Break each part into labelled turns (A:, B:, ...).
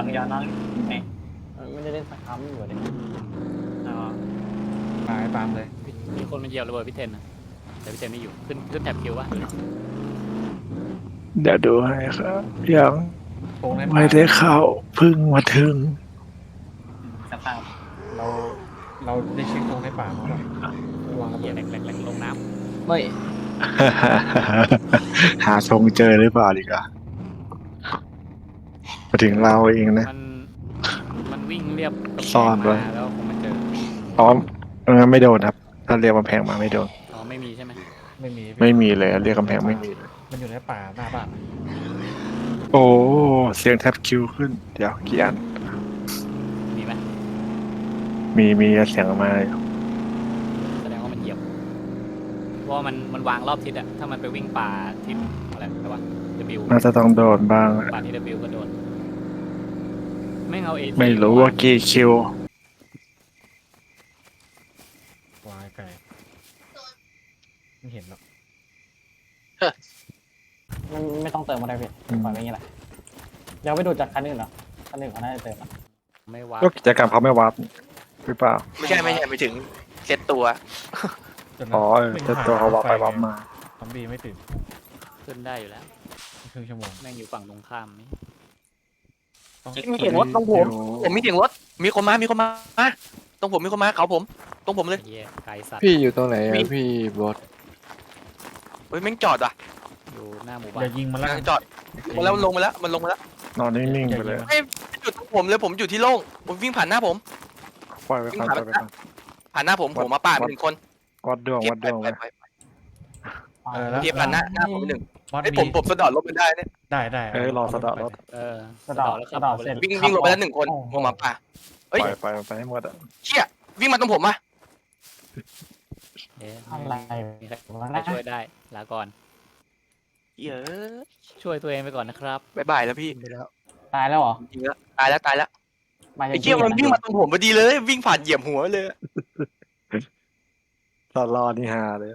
A: เดียวนอนไง
B: ไม่ได้เล่นสักครั้งอยู่เลย
A: อ๋อ
C: ปาให้ปามเลย
D: มีคนมาเหยียบระเบิดพี่เทนนะแต่พี่เทนไม่อยู่ขึ้นแท็บคิววะ
E: เดี๋ยวดูให้ครับยัง
C: โค้งในป่า
E: ไม่ได้เข้าเพึ่งมาถึง
A: สภาพ
C: เราเราได้เช็คโค้งในป่ามาป่ะวางระ
D: เหยี
C: เบิ
D: ยบ
C: ด
D: แหลกลงน้
B: ไม่
E: หาทรงเจอหรือเปล่าดีกว่ามาถึงเราเอง
D: ำ
E: นะ
D: มันวิ่งเรียบกำแพง
E: ซ่อนไว้
D: มาแล้วคงมาเจอ
E: อ๋อไม่โดนครับ ถ้าเรียกกำแพงมาไม่โดน
D: อ๋อไม่มีใช่ไหม
C: ไม่มี
E: ไม่มีเลยเรียกกำแพงไม่มีเลย
C: มันอยู่ในป่าหน้าบ้าน
E: โอ้เสียงแท็บคิวขึ้น เดี๋ยวกี่อัน
D: มีไหม
E: มีเสียงมา
D: แสดงว่ามันเหยียบเพราะว่ามันวางรอบทิศอะถ้ามันไปวิ่งป่าทิศอะไรวะ W
E: น่าจะต้องโดนบ้าง
D: ป่าทิศ W ก็โดนไม่เอา AT
E: ไม่รู้ว่ากี่คิว
C: วางไกลไม่เห็นหรอก
B: ไม่ต้องเติมอะไรพี่ปล่อยไว้อย่างนี้แหละเดี๋ยวไปดูจากคันอื่นเหรอคันอื่นเขาน่าจะเติมอ่ะ
D: ไม่ว่า
E: ก็กิจกรรมเขาไม่วัดหรือเปล่า
F: ไม่ใช่ไปถึงเซตตัว
C: จนนั้น
E: อ๋อแต่ตัวเขาวัดไปวัดมา
C: ซอมบี้ไม่ตื่น
D: ขึ้นได้อยู่แล้ว
C: ครึ่งชั่วโมง
D: แม่งอยู่ฝั่งตรงข้ามนี่
A: เช็ค
F: มี
A: เขี
F: เสี
A: ย
F: ย
A: น
F: งรถตรงผมมีเสียงรถมีคนมาตรงผมมีคนมาเขาผมตรงผมเลย
D: ไอ้เหี้ยไกลสัตว์
G: พี่อยู่ตรงไหน
F: มี
G: อะพี่บอส
F: เฮ้ยแม่งจอดว่ะ
D: อยู่หน้าหมู่บ้า
C: อย่าน ยิงมันแล้วกัน
F: จอดมันลงมาแล้วมันลงมาแล้ว
E: นอนนิ่งๆไปเลย
F: ไม่อยู่ตรงผมเลยผมอยู่ที่โล่งผมวิ่งผ่านหน้าผม
E: ปล่อยไปก่อนปล่อยไปก่อน
F: ผ่านหน้าผมมาป่าดหนึ่งคน
E: วัดดวง
F: เก็บ
E: วัดดวง
F: ไป
E: ไว้
F: เก็บผ่านหน้าผมหนึ่ง
C: บอส
F: ไอ้
C: มี
F: ผมสะดอดรถมันได้เนี่ย
C: ได้
E: รอสะเดาะรถ
D: เออ
B: กระดาษ
D: แล้ว
B: ก
D: ขั
B: ระ
D: บ
B: ดาษ
D: ไป
B: เสร็จ
D: เลย
F: วิ่งลงไปแล้วหนึ่งคนวงหมาป่า
E: ป
F: เอ้ย
E: ล่อยไปให้หมดอ่ะ
F: เชี่ยวิ่งมาตรงผมมา
D: เอ๊ะ
B: อะไร
D: มีใคร
B: วะ
D: ใครช่วยได้ลาก่อน
F: เยอะ
D: ช่วยตัวเองไปก่อนนะครับ
F: บายบายแล้วพี่
B: ตายแล้วเหรอ
F: จริงแล้วตายแล้ว
B: มาจาก
F: ไอ้เชี่ยมันวิ่งมาตรงผมพอดีเลย วิ่งผ่านเหยียบหัวเลย
E: รอนี่ฮาเลย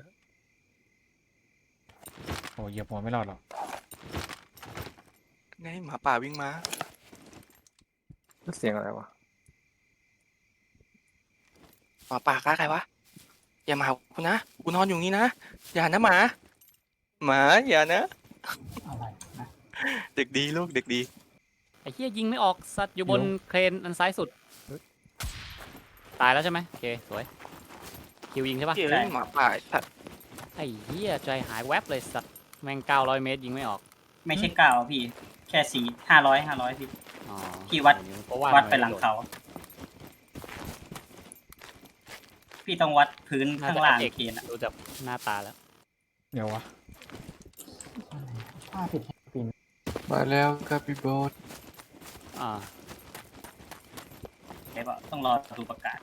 C: โอ้เหยียบหัวไม่รอดหรอก
F: ไงหมาป่าวิ่งมา
E: เสียงอะไรวะ
F: หมาป่าฆ่าใครวะอย่ามาหากูนะกูนอนอยู่นี่นะอย่านะหมาอย่านะ
B: อะไรนะ
F: เด็กดีลูกเด็กดี
D: ไอ้เหี้ยยิงไม่ออกสัตว์อยู่บนเครนอันซ้ายสุด ตายแล้วใช่ไหมโอเคสวยคิวยิงใช่ปะ
F: เฮ้ยหมาป่าสัตว์
D: ไอ้เหี้ยใจหายแวบเลยสัตว์แม่ง900 เมตรยิงไม่ออก
A: ไม่ใช่9พี่ แค่500พี่
D: อ๋อ
A: พี่วัด
D: เพราะ
A: วัดไปหลังเขา พี่ต้องวัดพื้น
D: น่า
A: ข้าง
D: จะ
A: ล่าง
D: เอก
A: เคนอะ
D: ดูจากหน้าตาแล้ว
C: เดี๋ยววะ
B: ป้าผิดปีน
G: มาแล้วครับพี่บอส
D: อ่า
A: เดี๋ยวต้องรอดูประกาศ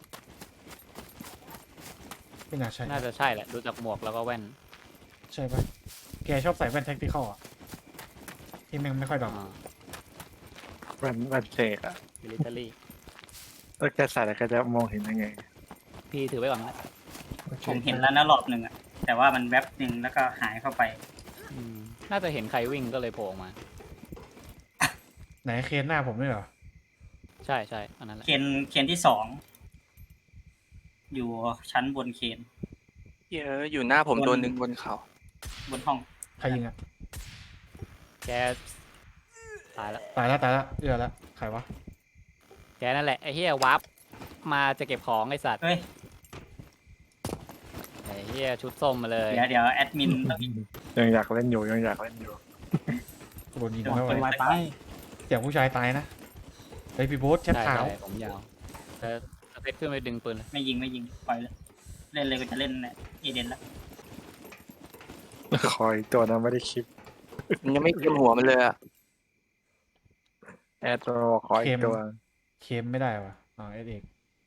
C: ไม่น่าใช่
D: น่าจะใช่แหละดูจากหมวกแล้วก็แว่น
C: ใช่ปะแกชอบใส่แว่นแท็กติคอลอ่ะที่แม่งไม่ค่อยดอก
D: อ่า
E: มันเสกอ่ะ
D: มิลิเตอรี่
E: แล้วแกใส่แล้วแกจะมองเห็นยังไง
D: พี่ถือไว้ก่อนนะ
A: ผมเห็นแล้วนะรอบหนึ่งอะแต่ว่ามันแวบหนึ่งแล้วก็หายเข้าไป
D: อืมน่าจะเห็นใครวิ่งก็เลยโผล่ออกมา
C: ไหนเคนหน้าผมด้วยเหรอ
D: ใช่ใช่อันนั้นแหละ
A: เคนที่2อยู่ชั้นบนเคน
F: เยอะอยู่หน้าผมตัวหนึ่งบนเขา
A: บนห้อง
C: ใครยิงอ่ะ
D: แกตายแล้ว
C: ตายแล้วเอื้อแล้วใครวะ
D: แกนั่นแหละไอ้เฮียวาร์ปมาจะเก็บของไอ้สัตว์
A: เฮ้ย
D: ไอ้เฮียชุดส้มมาเลย
A: เดี๋ยวแอดมินต้อง
E: ยังอยากเล่นอยู่ยังอยากเล่นอยู่
C: โดนยิง
A: โดน
C: ไม่ไหว
B: เป็นไวไป
C: เสียงผู้ชายตายนะเฮ้ยพี่โบ๊ทแชท
D: ใช่
C: ขาว
D: ใช่ผมยาวแต่สเปคขึ้นไปดึงปืนเลย
A: ไม่ยิงปล่อยเลยเล่นเลยก็จะเล่นเอเดนแล้ว
E: คอยตัวนั้นไม่ได้คลิป
F: มันยังไม่เต็มหัวมันเลยอะ
E: แอดตัวคอยตัว
C: เคมไม่ได้วะอ๋อเอเอก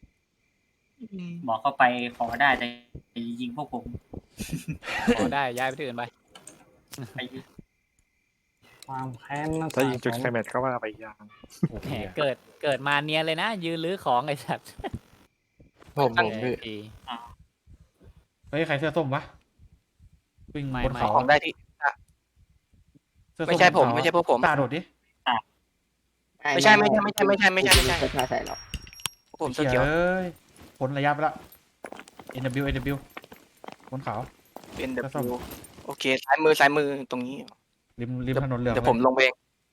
A: บอกเข้าไปขอได้แต่ยิงพวกผม
D: ขอได้ย้ายไปที่อื่นไป
A: ไป
B: ความแค้นนั่น
E: ถ้ายิงจุดไคลแม็กซ์ก็ว่าไปอีกอย่าง
C: โอ้โห
D: แหมเกิดมาเนียนเลยนะ ยืนลื้อของไอ้สัตว์
G: ผมพี่
D: ดี
C: เฮ้ยใครเสื้อส้มวะวิ่ง
D: ไม่
C: บน
D: ไม่
C: เขา
F: ของได้ที่
C: เสื้อส้
F: ไม่ใช่ผม
C: บนเขา
F: ไม่ใช่พวกผม
C: ตาโดดดิ
F: ไม่ใช่
G: ใส่หรอก
F: ผมเสื้อ
C: เหี้ย
F: เขียว
C: เอ้ยพ้นระยะไปละ NW บนเขา
F: เป็น
C: แล้วส้ม
F: W โอเคซ้ายมือตรงนี้
C: ริมถนนเหลือง
F: เดี๋ยวผมลงไปเอง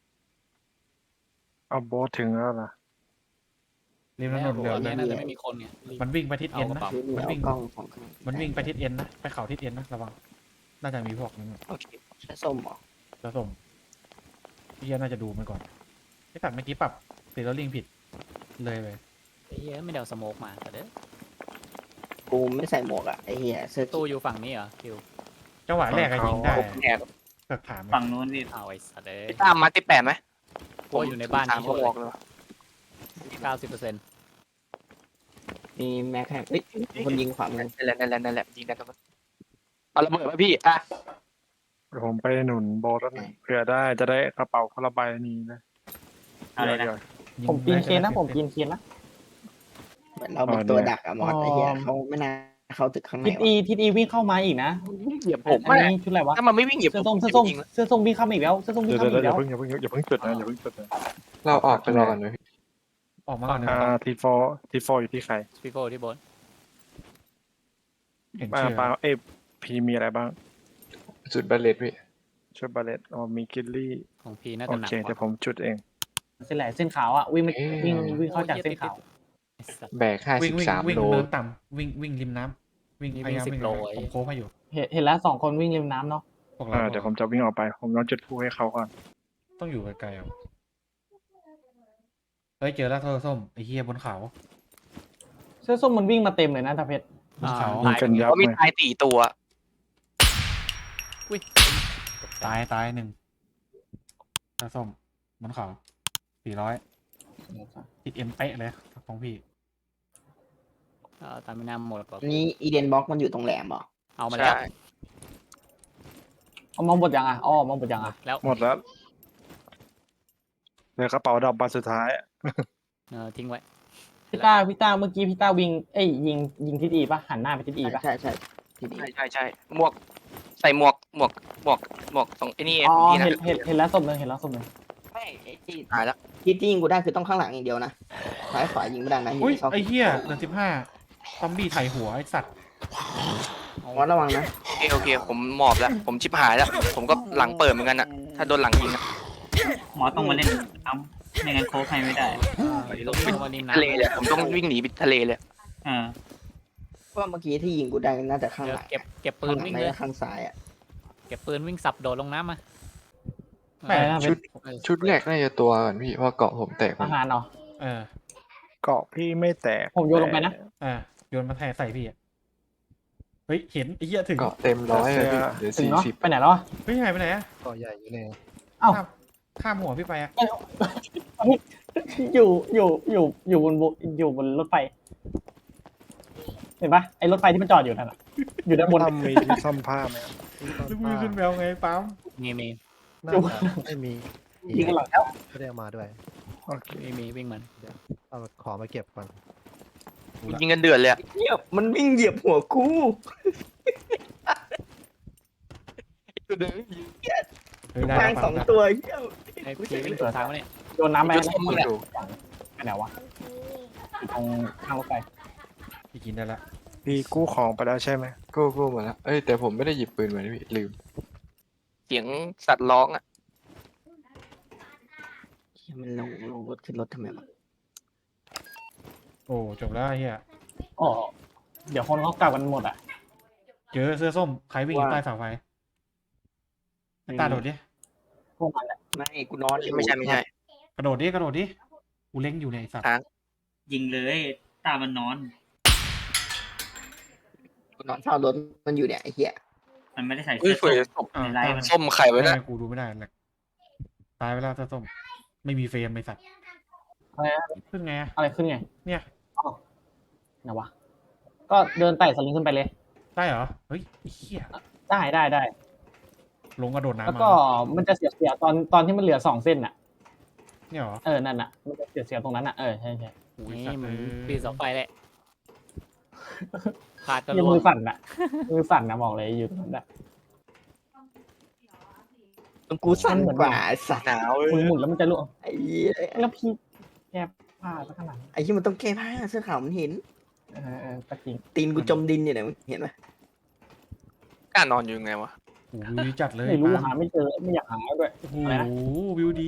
E: เอาโบ๊ทถึงแล้วล่ะ
C: ริมถนนเหลือง
D: อัน
C: เล
D: นี้
C: ย
D: น่าจะไม่มีคนไง
C: มันวิ่งไปทิศเอ็นนะ
D: เอากระเป๋า
C: มันวิ่ง
G: กล้องของ
C: มันวิ่งไปทิศเอ็นนะไปเขาทิศเอ็นนะระวังน่าจะมีพวกนั้น
F: โอเค
G: ใช้ส้มเหรอ
C: จะส่งพี่น่าจะดูมันก่อนไอ้สัตว์เมื่อกี้ปรับสีแล้วลิงผิดเลยไป
D: ไอ้เหี้ยไม่ได้เอาสโมกมาแต่เด้อ
G: กูไม่ใส่หมวกอ่ะไอ้เหี้ยเสื้อ
D: ตู้อยู่ฝั่งนี้เหรอคิว
C: จังหวะแรกอะยิงได้
F: แอบ
C: เกิดถาม
A: ฝั่งนู้นพี่
D: เอาไอ้สัตว์เด้ย
F: พี่ตามมาที่8ไหม
D: โอ้ยอยู่ในบ้าน
F: ถาม
D: นี่
F: เขา
D: ช่วย
F: บอกเลย
D: 90%
G: มีแม็กแฮกเฮ้ยคนยิงขวามือ
F: นั่นแหละยิงได้ตรงนั้นเอาระเบิดไหมพี่อ่ะ
E: เดี๋ยวผมไปหนุนโบ๊ทแล้วนะเผื่อได้จะได้กระเป๋าคนละใบนี้นะ
A: อะไรนะ
B: ผมปีนเคนนะผมปีนเคนนะ
G: เหมือนเราเป็นตัวดักอะมอสไอ้เหี้ยเขาไม่น่าเข้าตึกข้างใน
B: ทิศอีวิ่งเข้ามาอีกนะ
F: เหยียบผม
B: อัน
F: อะ
B: นี้ชุดอะไรวะ
F: ถ้ามันไม่วิ่งเหยียบ
B: เสื้อ
F: ผ
B: ส้ม
F: ม
B: เสื้อส้ม
F: จริงๆ
B: เสื้อส้มวิ่งเข้ามาอีกแล้วเสื้อส้มวิ่ง
E: เดี๋ยว
B: เข้ามาอีก
E: เดี๋
B: แล้
E: ยว วอย่าเพิ่งจุดนะอย่าเพิ่งจุดนะ
G: เราออกไปรอกันเลย
C: ออกมาก่อนนะ
E: ทีโฟอยู่ที่ใคร
D: พี่โก้ที่บน
C: เห็น
E: ป้า
C: ชื่อ
E: ป้าพีมีอะไรบ้าง
G: จุดบาเลตพี่
E: ชุดบาเลตมีกิลลี่
D: ของพีน่า
E: โอ
D: จะหนัก
E: เค
D: ก
E: เดี๋ยวผ
D: ว่าม
E: จุดเอง
B: เส้นแหลเส้นขาวอ่ะวิ่งวิ่งเข้าจากเส้นขาว
D: ไอ้สัตว์
G: แบก
C: วิ่ง
G: 53 โล
C: เนินต่ำวิ่งริมน้ำวิ่ง
D: นี่
C: พยายาม
D: วิ่ง
C: วิ่ง
D: 10โลไอ้
C: ผมโค้งให้อยู่
B: เห็นแล้ว2 คนวิ่งริมน้ำเนาะ
C: พวกเรา
E: เดี๋ยวผมจะวิ่งออกไป ผมต้องจุดพลุให้เขาก่อน
C: ต้องอยู่ไกลๆเอาเฮ้ยเจอแล้วเธอส้มไอ้เฮียบนเขา
B: เสื้อส้มมันวิ่งมาเต็มเลยนะตาเพชร
C: บนเขา
E: ยิงกันยับ
F: เขามี
E: เลย
F: ตาย4ตัว
D: อุ้ย
C: ตายหนึ่งเธอส้มบนเขา400ติดเอ็มเป๊ะเลยของพี่
D: ตามไม่น่าหมดหรอก
G: นี่อีเดนบ็อกมันอยู่ตรงแหลมเหรอ
D: เอามาแล้ว
F: ใช่
B: เอามาหมดยังอ่ะอ๋อมาหมดยังอ่ะ
D: แล้ว
E: หมดแล้วเหลือกระเป๋าดอกใบสุดท้าย
D: ทิ้งไว้
B: พี่ต้าเมื่อกี้พี่ต้าวิ่งยิงทิศอีป่ะหันหน้าไปทิศอีป่ะ
G: ใช่ที่นี่
F: ใช่หมวกใส่หมวกตรงไอ้นี่
B: อ๋อ
F: นี่นะ
B: เห็นแล้วศพหนึ่งเห็นแล้วศพหนึ่ง
G: ไม่ไอ้ที่
F: ตายแล้ว
G: ที่ยิงกูได้คือต้องข้างหลังอย่างเดียวนะซ้ายขวายิงไม่ได้นะ
C: อุ้ย
G: ชอบ
C: ไอ้เฮียเหลือ15ซอมบี้ไถหัวไอ้สัตว์
G: มอสระวังนะ
F: โอเคผมหมอบแล้วผมชิบหายแล้วผมก็หลังเปิดเหมือนกันอะถ้าโดนหลังยิงอะ
A: หมอต้องมาเล่นน้ำไม่งั้นโค้ชให้ไม่ได้
D: ลงมาริมน้ำ
F: ทะเลเลยผมต้องวิ่งหนีไปทะเลเลย
G: เพราะว่าเมื่อกี้ที่ยิงกูได้น่าจะข้างหลัง
D: เก็บปืนวิ่ง
G: ไม่
D: เลย
G: ได้ข้างซ้ายอ่ะ
D: เก็บปืนวิ่งสับโดดลงน้ำมา
B: ไปนะเพชร
G: ชุดแรกน่าจะตัวก่อนพี่เพราะเกาะผมแตก
B: อาหารเนาะ
C: เออ
E: เกาะพี่ไม่แตก
B: ผมโยนลงไปนะ
C: โยนมาแทนใส่พี่อะเฮ้ยเห็นไอ้เหี้ยถึง
G: เกาะเต็มร้อยเลยพี่เดี๋ยว
B: ถึงเนาะ
G: 40
B: ไปไหนแล้วอะ
C: เฮ้ยหายไปไหนอะ
H: เกาะใหญ่อยู่เลย
B: เอ้า
C: ข้ามหัวพี่ไปอะ
B: อยู่บนรถไฟ เห็นปะไอ้รถไฟที่มันจอดอยู่นั่นอะอยู่ด้านบน
E: ทำมีที่ซ่อมผ้าไหมครับ
C: ลูกมือขึ้นแววไงปั๊ม
D: มี
H: น่าจะไม่มี
B: ยิงกันหลังแล้ว
H: ไม่ได้เอามาด้วย
E: โอเค
D: มีวิ่งมัน
H: เอาของมาเก็บก่อน
F: ยิงกันเดือดเลยอะ
G: เหยียบมันวิ่งเหยียบหัวกู
C: เฮ้ยได้
G: แม่ง
C: ปั๊
G: ส
C: ม
G: อง
C: ได้
G: ตัวเหี้ย
D: ไอ้พีวิ่งสวนทางมาเนี่ย
B: โยนน้ำไป
F: จุดส้มมึงอะ
B: ไปไหนวะอยู่ตรงข้างรถไฟ
C: พี่กินได้ละ
E: พี่กู้ของไปแล้วใช่ไหม
G: กูหมดแล้วเอ้ยแต่ผมไม่ได้หยิบปืนมาพี่ลืม
F: เสียงสัตว์ร้องอะ
G: มันลงรถขึ้นรถทำไมวะ
C: โอ้จบแล้วไอ้เฮีย
B: อ๋อเดี๋ยวคนเขากลับกันหมดอ่ะ
C: เจอเสื้อส้มใครวิ่งอยู่ใต้เสาไฟไอ้ตาโดดดิ
B: พวกมันแหละ
G: ไม่กูนอนอยู่
F: ไม่ใช่
C: กระโดดดิกูเล็งอยู่เนี่ยไอ้สัตว์
A: ยิงเลยตามันนอน
G: กูนอนเฝ้ารถมันอยู่เนี่ยไอ้เหี้ย
A: มันไม่ได้ใส่
F: เฮ้ย
A: เสื้อ
F: เฟย
A: ส้มในไลฟ์มัน
F: ส้มไข่ไว้นะ
C: ไม่กูดูไม่ได้แหละตายไปแล้วเสื้อส้มไม่มีเฟรมไอ้สัตว์
B: อะไรนะ
C: ขึ้นไงอะ
B: อะไรขึ้นไง
C: เนี่ย
B: ไหนวะก็เดินไต่สลิงขึ้นไปเลย
C: ได้เหรอเฮ้ยไอ้เหี้ย
B: ได้
C: ลงกระโดดน้ำ
B: แล้ว
C: มา
B: ก็มันจะเสียตอนที่มันเหลือ2 เส้นอ่ะ
C: เนี่ยเหรอ
B: นั่นอ่ะมันจะเสียตรงนั้นอ่ะใช่
C: โอ้ย
D: นี่
C: สัตว์
D: มึง
C: เอ้ย
D: ปีสองไฟแหละขาดกระ
B: ยัง
D: โด
B: มื
D: ด
B: อสั่นอ่ะมือสั่นนะบอกเลยอยู่ตรงนั้นอ่ะ
G: กูสั่นกว่าไอ้สัตว์
F: หนาว
B: มือหมุนแล้วมันจะล่วง
G: ไอ้เหี้ย
B: แล้วพี่แก้ผ้าซะขนาดนั้น
G: ไอ้ที่มันต้องแก้ผ้าเสื้อขาวมันเห็น
B: ก็จริง
G: ตีนกูจมดินอยู่เนี่ยมึงเห็นไหม
F: กล้านอนอยู่ไงวะ
C: โอ้โหวิวดีจัดเลย
B: ไม่รู้
C: ปาล์
B: หาไม่เจอไม่อยากหาด้วย
C: โอ้โห
B: อะไรนะ
C: วิวดี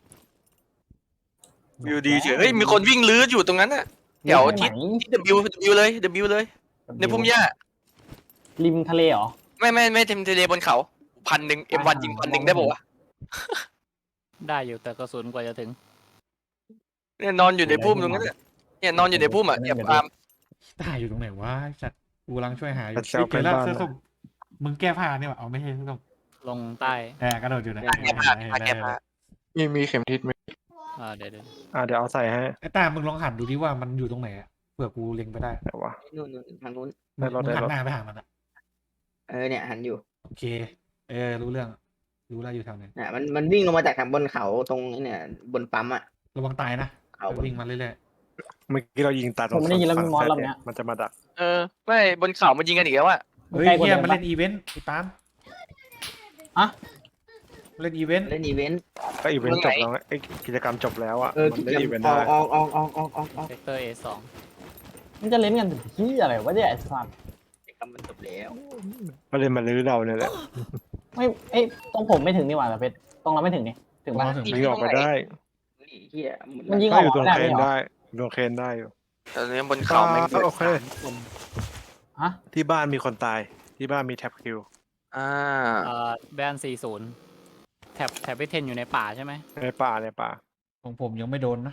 F: วิวดีเฉยเฮ้ยมีคนวิ่งลื้ออยู่ตรงนั้นน่ะ เดี๋ยวที่
B: ไหน
F: ที่ W เลย W เลย ในพุ่มหญ้า
B: ริมทะเลเหรอ
F: ไม่เต็มทะเลบนเขา1,000 M1 ยิง1,000ได้ปะวะ
D: ได้อยู่แต่กระสุนกว่าจะถึง
F: เนี่ยนอนอยู่ในพุ่มตรงนั้นน่ะเนี่ยนอนอยู่ในพุ่มอ่ะเนี่ยปาล์ม
C: ตายอยู่ตรงไหนวะจัดกูกำลังช่วยหาอยู่
E: แต่เซลล์
C: เจอแล้ว
E: เป็นบ้าน
C: เสื้อส้มมึงแก้ผ้าเนี่ยว่ะเอาไม่ใช่เสื้อส้ม
D: ลงใต้
C: กระโดดอยู่นะ
F: แก้ผ้าแก้ผ้า
E: มีเข็มทิศไหม
D: เดี๋ยว
E: เดี๋ยวเอาใส่ให้
C: ไอ้ตามึงลองหันดูดิว่ามันอยู่ตรงไหนอะเผื่อกูเล็งไปได้
E: แต่ว่า
G: นู่นทางนู้น
E: ได้รถ
C: มึง
E: ได้
C: หัน
E: รถ
C: หน้าไปหามันอะ
G: เนี่ยหันอยู่
C: โอเครู้เรื่องรู้แล้วอยู่แถวไหน
G: น่ะมันวิ่งลงมาจากทางบนเขาตรงนี้เนี่ยบนปั๊มอ่ะ
C: ระวังตายนะ
G: เขาบน
C: วิ่งมาเรื่อย
E: เมื่อกี้เรายิงตัด
B: ผมไม่ได้ยินแล้ว
E: ฝั่
B: มี
E: ง
B: มอส
E: ซ้าย
B: รอบเนี้ย
E: มันจะมาดัก
F: ไม่บนเขามันยิงกันอีกแล้วอ่ะ
C: ๆเฮ้ย
B: ใกล้กว่า
C: เฮีย
B: เดิม
C: มัน
B: ปะ
C: เล่นอีเวนต์ไอ้ตาม
B: อะ
C: เล่นอีเวนต์
G: เล่นอีเวนต์
E: ก็อีเวนต์จบแล้วไอ้กิจกรรมจบแล้วอ่ะ
G: กิ
E: มัน
G: จ
E: ได้
G: กรร
E: อีเวน
G: ม
E: ต์ได้
G: ออก
D: เซกเตอร์ A2
B: มันจะเล่นกันถึงที่อะไรวะเนี่ยไอ้สัตว์
G: กิจกรรมมันจบแล้ว
E: ก็เลยมาลื้อเราเนี่ยแหละ
B: ไม่เอ้ยตรงผมไม่ถึงนี่หว่าแต่เพชรตรงเราไม่ถึงนี่ถึง
C: มา
B: ปะ
C: ถึง
E: ยิงออกไปได้
G: เฮีย
B: มันยิง
E: ก็อยู่ตรง
B: ไม่ได้
E: เครน
B: ไม่เหรอ
E: ได้ตรงเครนได้อยู่
F: ตอนนี้บนเขาแม่ง
E: โอเค
B: ฮะ
E: ที่บ้านมีคนตายที่บ้านมีแท็บคิว
D: แบน40แถบไปเทนอยู่ในป่าใช่ไหม
E: ในป่าในป่า
C: ของผมยังไม่โดนนะ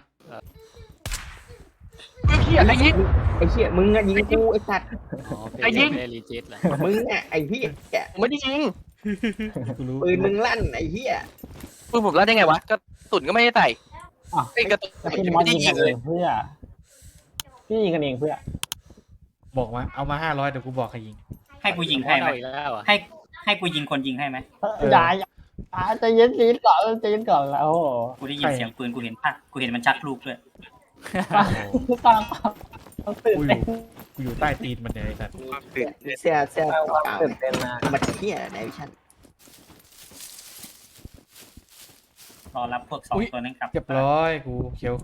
F: เฮียไอ้ยิง
G: ไอ้เฮียมึงอะยิงกูไอ้สัตว์
D: อ๋อเป็น
F: ไอ้ยิง
D: ไม่ได้รีจิตแหละ
G: มึงอะไอ้เฮีย
F: ผมไม่ได้ยิง
C: กูรู้
G: ปืนมึงลั่นไอ้เฮีย
F: ปืนผมลั่นได้ไงวะกระสุนก็ไม่ได้ใส่
B: อ่ะ
F: ไอ้กระสุน
B: แล้วพี่มอ
F: ไม่
B: ส
F: ได้
B: ยิง
F: ยิ
B: กั
F: ง
B: น
F: เล
B: เอย งเพื่อพี่ยิงกันเองเพื่อ
C: บอกว่าเอามา500เดี๋ยวกูบอกให้ยิง
A: ให้กูยิงให้ไหม
D: เอาอีกแล้วอ่ะ
A: ให้กูยิงคนยิงให้ไหม
B: อย่าใจเย็นซีดก่อนใจเย็นก่อนแล้วโอ้โห
A: กูได้ยินเสียงปืนกูเห็นภาพกูเห็นมันชักลูกด้วย
B: ฟังตื่น
C: กูอ
B: เต้
C: ยู่
B: น
C: กูอยู่ใต้ตีนมันเนี่ยไอ้สัตว์
G: มีเสื้อเก่า
B: ตื่นเต้นนะ
G: ๆมาเฮียในวิชั่น
A: รอรับพวกสองตัวนั้นกลับ
C: เรียบร้อยกูเขียว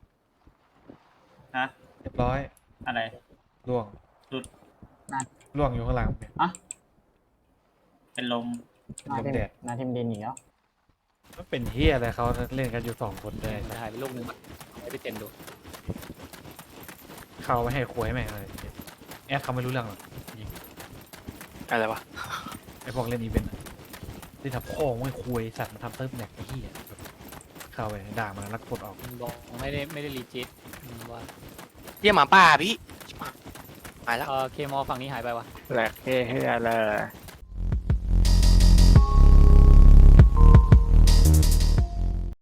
A: ฮะ
C: เรียบร้อย
A: อะไร
C: ล่วง
A: หลุด
C: ล่วงอยู่ข้างหลังเนี่ย
A: เป็นลม
C: ลมแดด
B: นาทีมดินอีกแล้ว
C: มันเป็นเฮียอะไรเขาเล่นกันอยู่2 คนเลย
D: จะหายไปลูกนึงให้ไปเทนดู
C: เข้าไม่ให้คุยแม่งเลยแอดเขาไม่รู้เรื่องหรอกยิง
F: อะไรวะ
C: ไอพวกเล่นอีเวนต์อะที่ทำพ่อไม่คุยสัตว์มันทำเติร์ฟแหนกไอ้เหี้ยแบบเข้าไปด่ามันแล้วกดออก
D: มันบอกไม่ได้รีจิตว่า
F: เฮียหมาป่าพี่มาแล้ว
D: เคมอฝั่งนี้หายไปวะ
E: แหลกเฮ้ยอะไร